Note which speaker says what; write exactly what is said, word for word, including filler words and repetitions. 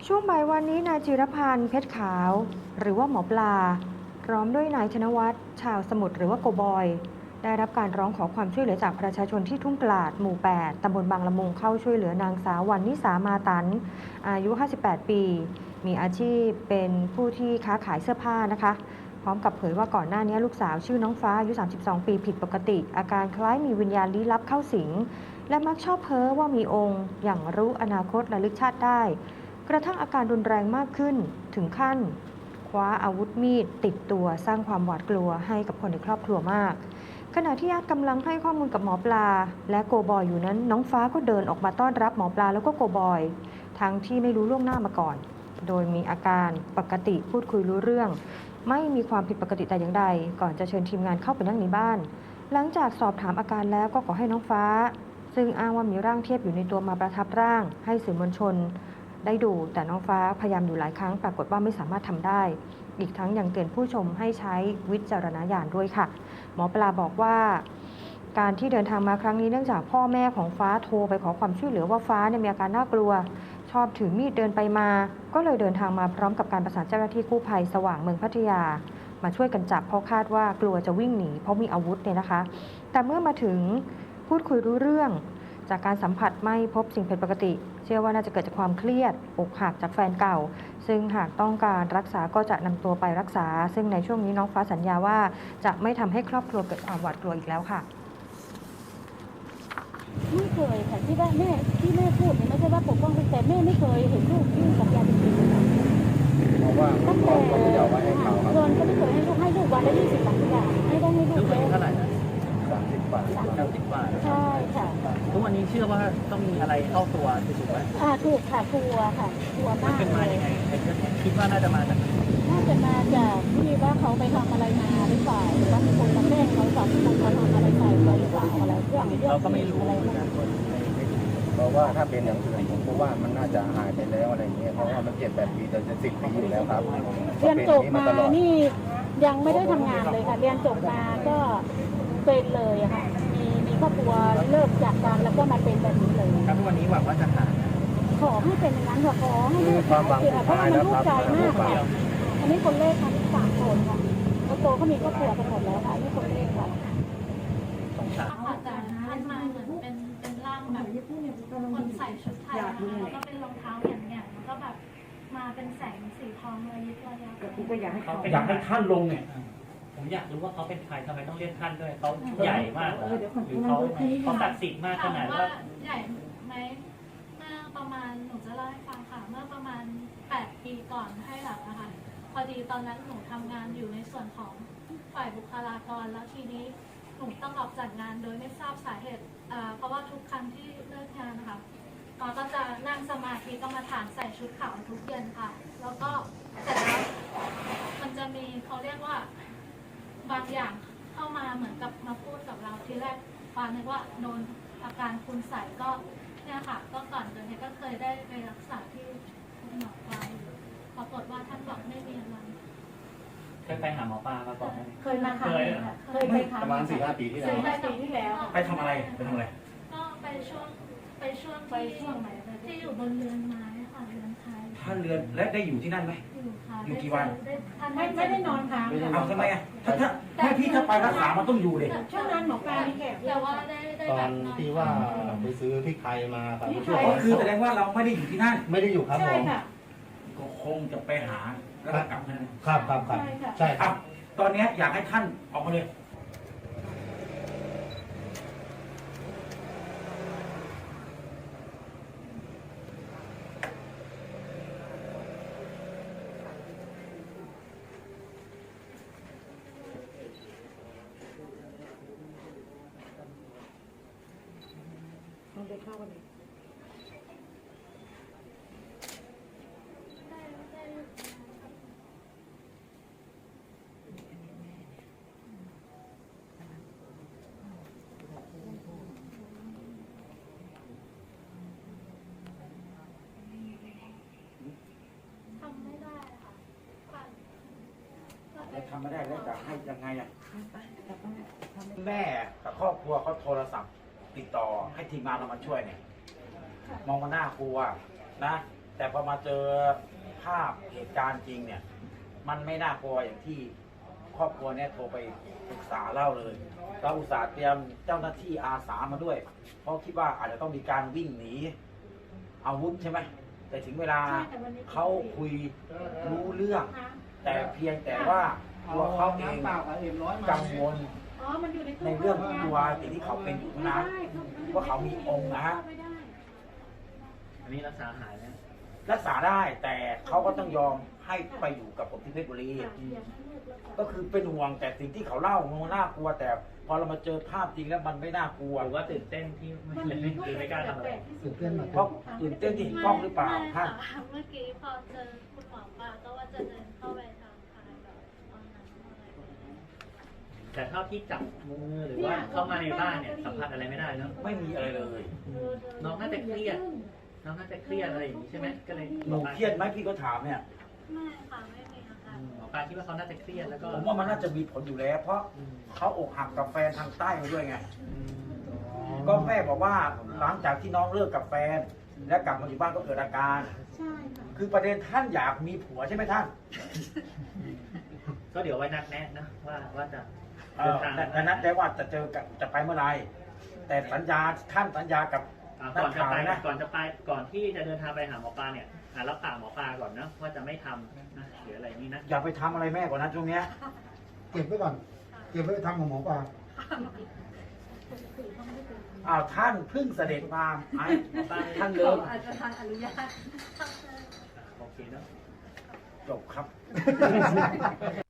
Speaker 1: ช่วงบ่ายวันนี้นายจิรพันธ์เพชรขาวหรือว่าหมอปลาพร้อมด้วยนายธนวัฒน์ชาวสมุทรหรือว่าโกบอยได้รับการร้องขอความช่วยเหลือจากประชาชนที่ทุ่งกลาดหมู่ แปด ตำบลบางละมุงเข้าช่วยเหลือนางสาววรรณนิสามาตันอายุ ห้าสิบแปด ปีมีอาชีพเป็นผู้ที่ค้าขายเสื้อผ้านะคะพร้อมกับเผยว่าก่อนหน้านี้ลูกสาวชื่อน้องฟ้าอายุ สามสิบสอง ปีผิดปกติอาการคล้ายมีวิญญาณลี้ลับเข้าสิงและมักชอบเพ้อว่ามีองค์อย่างรู้อนาคตระลึกชาติได้กระทั่งอาการรุนแรงมากขึ้นถึงขั้นคว้าอาวุธมีดติดตัวสร้างความหวาดกลัวให้กับคนในครอบครัวมากขณะที่ญาติกำลังให้ข้อมูลกับหมอปลาและโกบอยอยู่นั้นน้องฟ้าก็เดินออกมาต้อนรับหมอปลาแล้วก็โกบอยทั้งที่ไม่รู้ล่วงหน้ามาก่อนโดยมีอาการปกติพูดคุยรู้เรื่องไม่มีความผิดปกติแต่อย่างใดก่อนจะเชิญทีมงานเข้าไปนั่งในบ้านหลังจากสอบถามอาการแล้วก็ขอให้น้องฟ้าซึ่งอ้างว่ามีร่างเทพอยู่ในตัวมาประทับร่างให้สื่อมวลชนได้ดูแต่น้องฟ้าพยายามอยู่หลายครั้งปรากฏว่าไม่สามารถทำได้อีกทั้งยังเตือนผู้ชมให้ใช้วิจารณญาณด้วยค่ะหมอปลาบอกว่าการที่เดินทางมาครั้งนี้เนื่องจากพ่อแม่ของฟ้าโทรไปขอความช่วยเหลือว่าฟ้าเนี่ยมีอาการน่ากลัวชอบถือมีดเดินไปมาก็เลยเดินทางมาพร้อมกับการประสานเจ้าหน้าที่กู้ภัยสว่างเมืองพัทยามาช่วยกันจับเพราะคาดว่ากลัวจะวิ่งหนีเพราะมีอาวุธเนี่ยนะคะแต่เมื่อมาถึงพูดคุยรู้เรื่องจากการสัมผัสไม่พบสิ่งผิดปกติเชื่อว่าน่าจะเกิดจากความเครียดอกหักจากแฟนเก่าซึ่งหากต้องการรักษาก็จะนำตัวไปรักษาซึ่งในช่วงนี้น้องฟ้าสัญญาว่าจะไม่ทำให้ครอบครัวเกิดความหวาดกลัวอีกแล้วค่ะ
Speaker 2: ไม่เคยค่ะที่ว่าแม่ที่แม่พูดเนี่ยไม่ใช่ว่าปกป้องแต่แม่ไม่เคยเห็นลูกยุ่งกับยาเสพติด
Speaker 3: เพราะว่าตั้งแต่ก็ไม่เอาไว้ให้เขาครับ
Speaker 2: เงินก็ไม่เคยให้ลูกให้ลูกวันละยี่สิบสามสิบบาทให้ได้ให้ลู
Speaker 4: ทุ
Speaker 2: ก
Speaker 4: กวันนี้เท่าไหร่นะ
Speaker 3: สามสิบบาท
Speaker 4: สามสิบบาท
Speaker 2: ใช่ค่ะ
Speaker 4: ทุกวันนี้เชื่อว่าต้องมีอะไรเข้าตัวถูกไหม
Speaker 2: อ่าถูกค่ะกลัวค่ะกลัว
Speaker 4: มัน
Speaker 2: มาก
Speaker 4: เป็นมา
Speaker 2: เล
Speaker 4: ยั
Speaker 2: ย
Speaker 4: งไงคิดว่าน่าจะมาจาก
Speaker 2: น่าจะมาจากที่ว่าเขาไปทำอะไรมาหรือเปล่าหรือว่ามีคนมาแกล้งเขาสอบคนมาทำอะไรใส่เขาหรือเปล่าอะไรเรื่องเรื่อง
Speaker 4: เราก็ไม่รู้
Speaker 2: อะไร
Speaker 4: เหมือน
Speaker 2: นะ
Speaker 4: กัน
Speaker 3: เพราะว่าถ้าเป็นอย่างอื่นผมก็ว่ามันน่าจะหายไปแล้วอะไรเงี้ยเพราะว่ามันเจ็ดแปดปีจนจะสิบปีอยู่แล้วครับ
Speaker 2: เรียนจบมา
Speaker 3: ตลอด
Speaker 2: นี่ยังไม่ได้ทำงานเลยค่ะเรียนจบมาก็เป็นเลยอะค่ะมีมีครอบครัวเลิกจากกันแล้วก็มาเป็นแบบนี้เลย
Speaker 4: ครับทุกวันนี้หวังว่าจะหาย
Speaker 2: ขอให้เป็นอย่างนั้นค่ะขอให้ลูก
Speaker 3: ความหวัง
Speaker 2: เสียเพราะว่ามันลูกใจมากค่ะอันนี้คนเลขค่ะสามคนค่ะคนโตเขามีครอบครัวกันหมดแล้วค่ะนี่คนเลขค่ะ
Speaker 4: สงสาร
Speaker 5: อาจจะท่านมาเหมือนเป็นเป็นร่างแบบคนใส่ชุดไทยนะคะแล้วก็เป็นรองเท้าแหย่งๆแล้วก็แบบมาเป็นแสงสีทองระยิบระยับ
Speaker 6: ก็อยากให้เขา
Speaker 7: อยากให้ท่านลงเนี่ย
Speaker 4: ผมอยากรู้ว่าเขาเป็นใครทำไมต้องเรียกท่านด้วยเขาใหญ่มากเหรอหรือเขาเขาศักดิ์สิทธิ์มากข
Speaker 5: ถาม
Speaker 4: นาด
Speaker 5: ว่า
Speaker 4: ว่า
Speaker 5: ใหญ่ไหมเมื่อประมาณหนูจะเล่าให้ฟังค่ะเมื่อประมาณแปดปีก่อนให้หลังนะคะพอดีตอนนั้นหนูทำงานอยู่ในส่วนของฝ่ายบุคลากรแล้วทีนี้หนูต้องออกจากงานโดยไม่ทราบสาเหตุอ่าเพราะว่าทุกครั้งที่เลิกงานนะคะก็ก็จะนั่งสมาธิกรรมฐานใส่ชุดขาวทุกเย็นค่ะ แล้วก็เสร็จแล้วมันจะมีเขาเรียกว่าบางอย่างเข้ามาเหมือนกับมาพูดกับเราทีแรกปานึกว่าโดนอาการคุณใส่ก็เนี่ยค่ะก็ก่อนเกิดเหตุก็เคยได้ไปรักษาที่คุณหมอปลายปรากฏว่าท่านบอกไม่มีอะไร
Speaker 4: เคยไปหาหมอปลามาก่อนไหม
Speaker 2: เคยมาครั้งหนึงค่ะเคยไปครั้ง
Speaker 3: ประมาณสี่ห้าปีที่แล้ว
Speaker 2: สี่ห้าปีที่แล้วค่ะ
Speaker 7: ไปทำอะไรไปทำอะไร
Speaker 5: ก็ไปช่วงไปช่วง
Speaker 2: ไปช่วงไหน
Speaker 5: ที่อยู่บนเรือนไม้ค่ะเรือนไทย
Speaker 7: ท่านเรือนและได้อยู่ที่นั่นไหม
Speaker 5: อยู่ค่ะ
Speaker 7: อยู่กี่วัน
Speaker 5: ได้ท่าน
Speaker 2: ไม่ไม่ได้นอนค้างค่ะ
Speaker 7: เอาทำไมอ่ะถ้าถ้าถ้าพี่ถ้าไปรักษามันต้องอยู่เลย
Speaker 2: ช่วงนั้นหมอปลามีแขกเย
Speaker 5: แต่
Speaker 2: อะ
Speaker 5: ว่า
Speaker 2: ค่ะ
Speaker 5: ได้ได้
Speaker 3: ตอ
Speaker 5: แบบ
Speaker 3: น
Speaker 5: นอน
Speaker 3: ที่ว่าไปซื้อพริกไทยมาครับ
Speaker 2: พริกไท
Speaker 3: ช่วย
Speaker 2: ย
Speaker 7: ก็คือแสดงว่าเราไม่ได้อยู่ที่นั่น
Speaker 3: ไม่ได้อยู่ครับผ
Speaker 2: ใช่
Speaker 3: ม
Speaker 2: ค่ะ
Speaker 7: ก็คงจะไปหาแล้วก็กลับมา
Speaker 3: ครับครับครับ
Speaker 2: ใช่ค่ะ
Speaker 3: ใช่ค
Speaker 7: ค
Speaker 3: รั
Speaker 7: รับ บตอนนี้อยากให้ท่านออกมาเลย
Speaker 2: ลองไปเข้ากันเลย
Speaker 5: ได้ได้ ทำไม่ได้ค่ะปั่นก็เป็
Speaker 7: แล้
Speaker 5: น
Speaker 7: วทำไม่ได้แล้วจะให้ยังไงอ่ะแม่กับครอบครัวเขาโทรศัพท์ติดต่อให้ทีมงานเรามาช่วยเนี่ย มองมาหน้ากลัวนะแต่พอมาเจอภาพเหตุการณ์จริงเนี่ย มันไม่น่ากลัวอย่างที่ครอบครัวเนี่ยโทรไปปรึกษาเล่าเลยเราอุตส่าห์เตรียมเจ้าหน้าที่อาสามาด้วย เพราะคิดว่าอาจจะต้องมีการวิ่งหนีอาวุธใช่ไหมแต่ถึงเวลาเขาคุยรู้เรื่อง แต่เพียงแต่ว่าตัวเขาเองกังวล
Speaker 2: อ๋อ มันอยู่ในตู้
Speaker 7: ในเรื่องตัวสิ่งที่เขาเป็นอยู่เท่านั้นว่าเขามีองค์นะฮะ
Speaker 4: อันนี้รักษาหายแล้ว
Speaker 7: รักษาได้แต่เขาก็ต้องยอมให้ไปอยู่กับผมที่เพชรบุรี ก็คือเป็นห่วงแต่สิ่งที่เขาเล่ามันน่ากลัว แต่พอเรามาเจอภาพจริงแล้วมันไม่น่ากลัว
Speaker 4: หรือว่าตื่นเต้นที่ไม่เลยไม่หรือไม่กล้าทำอะไร
Speaker 7: เพราะตื่นเต้นที่เห็นกล้องหรือเปล่าท่าน
Speaker 5: ไม่ค่ะเมื่อกี้พอเจอคุณหมอปลาก็ว่าจะเดินเข้าไปทางภายแบบตอนนั้นอะไรแบบนี้
Speaker 4: แต่เท่าที่จับมือหรือว่าเข้ามาในบ้านเนี่ยสัมผัสอะไรไม่ได้เนาะ
Speaker 7: ไม่มีอะไรเลย
Speaker 4: น้องน่าจะเครียด น้องน่าจะเครียดอะไรอย่างนี้ใช่ไหมก็เลย
Speaker 7: หนูเครียดไหมพี่ก็ถามเนี่ย
Speaker 5: ไม่ค่ะไม่มีอาการ
Speaker 4: หมอปลาคิดว่าเขาน่าจะเครียดแล้วก็
Speaker 7: ผมว่ามันน่าจะมีผลอยู่แล้ว เพราะเขาอกหักกับแฟนทางใต้มาด้วยไง ก็แม่บอกว่าหลังจากที่น้องเลิกกับแฟน และกลับมาอยู่บ้านก็เกิดอาการ
Speaker 2: ใช่ค่ะ
Speaker 7: คือประเด็นท่านอยากมีผัวใช่ไหมท่าน
Speaker 4: ก็เดี๋ยวไว้นัดแนะนะว่าว่าจะ
Speaker 7: เออแต่นัดได้ว่าจะเจอกับจะไปเมื่อไหรแต่สัญญาท่านสัญญากับ
Speaker 4: อ่า
Speaker 7: นั
Speaker 4: ก่
Speaker 7: ก
Speaker 4: อนจะ
Speaker 7: ข่าว
Speaker 4: ไป
Speaker 7: นะ
Speaker 4: ก่อนจะไปก่อนที่จะเดินทางไปหาหมอปลาเนี่ยอ่ารับปากหมอปลาก่อนนะว่าจะไม่ทำนะหรืออะไรนี้นะ
Speaker 7: อย่าไปทำอะไรแม่กว่านั้นช่วงเนี้ย
Speaker 6: เก็บไว้ก่อน เก็บไว้ทำของหมอปลา
Speaker 7: อ้าวท่านเพิ่งเสด็จมาไอ้ท่านเลิก
Speaker 5: อาจจะทางอนุญาต
Speaker 4: โอเคเนาะ
Speaker 7: จบครับ